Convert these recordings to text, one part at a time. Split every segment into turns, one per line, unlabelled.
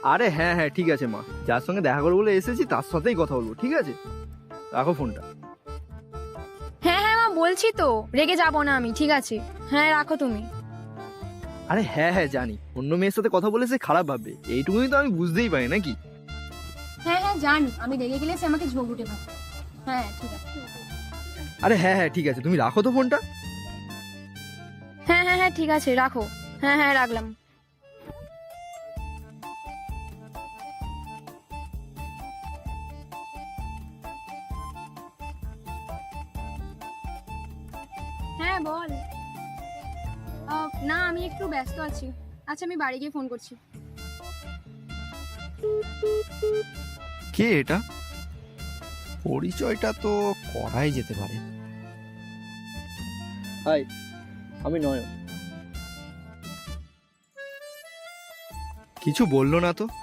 আরে হ্যাঁ হ্যাঁ ঠিক আছে মা, যার সঙ্গে দেখা করবো বলে এসেছি তার সাথেই কথা বলবো, ঠিক আছে? রাখো ফোনটা।
হ্যাঁ হ্যাঁ মা, বলছি তো রেগে যাবো না আমি, ঠিক আছে? হ্যাঁ রাখো তুমি।
আরে হ্যাঁ হ্যাঁ জানি, অন্য মেয়ের সাথে কথা বলে সে খারাপ ভাববে, এইটুকুনি তো আমি বুঝতেই পারি নাকি?
হ্যাঁ হ্যাঁ জানি, আমি রেগে গেলে সে আমাকে ঝোঁক উঠে ভাববে। হ্যাঁ ঠিক আছে।
আরে হ্যাঁ হ্যাঁ ঠিক আছে, তুমি রাখো তো ফোনটা।
হ্যাঁ হ্যাঁ হ্যাঁ ঠিক আছে, রাখো। হ্যাঁ হ্যাঁ রাখলাম। হ্যাঁ বল। না আমি একটু ব্যস্ত আছি। আচ্ছা আমি বাড়ি গিয়ে ফোন করছি।
কে এটা? পরিচয়টা তো করাই যেতে পারে। হাই, আমি নয়ন। কিছু বললো না তো?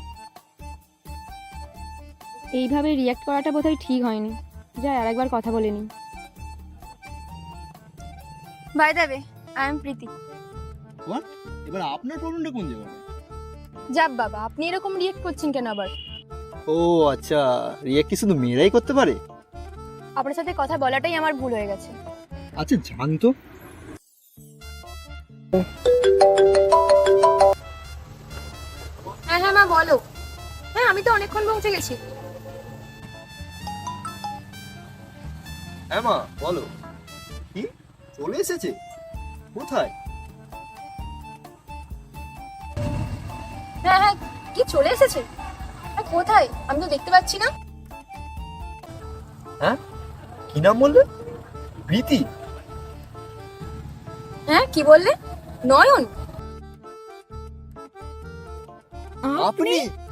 এইভাবে রিয়াক্ট করাটা বোধহয় ঠিক হয়নি। যাই আরেকবার কথা বলে নিই। By the way, I am Priti.
What? এবার আপনার প্রবলেমটা কোন জায়গায়?
যাক বাবা, আপনি এরকম রিয়াক্ট করছেন কেন আবার?
ও আচ্ছা, রিয়াক্ট কি শুধু মেয়েরাই করতে পারে?
আপনার সাথে কথা বলাটাই আমার ভুল হয়ে গেছে।
আচ্ছা জান তো।
হ্যাঁ হ্যাঁ মা বলো। হ্যাঁ আমি তো অনেকক্ষণ পৌঁছে গেছি।
হ্যাঁ মা বলো। কি চলে এসেছে? কোথায়?
হ্যাঁ হ্যাঁ, কি চলে এসেছে? কোথায়? আমি তো দেখতে পাচ্ছি না।
হ্যাঁ কি নাম বললে? প্রীতি?
হ্যাঁ কি বললে? নয়ন?
আপনি?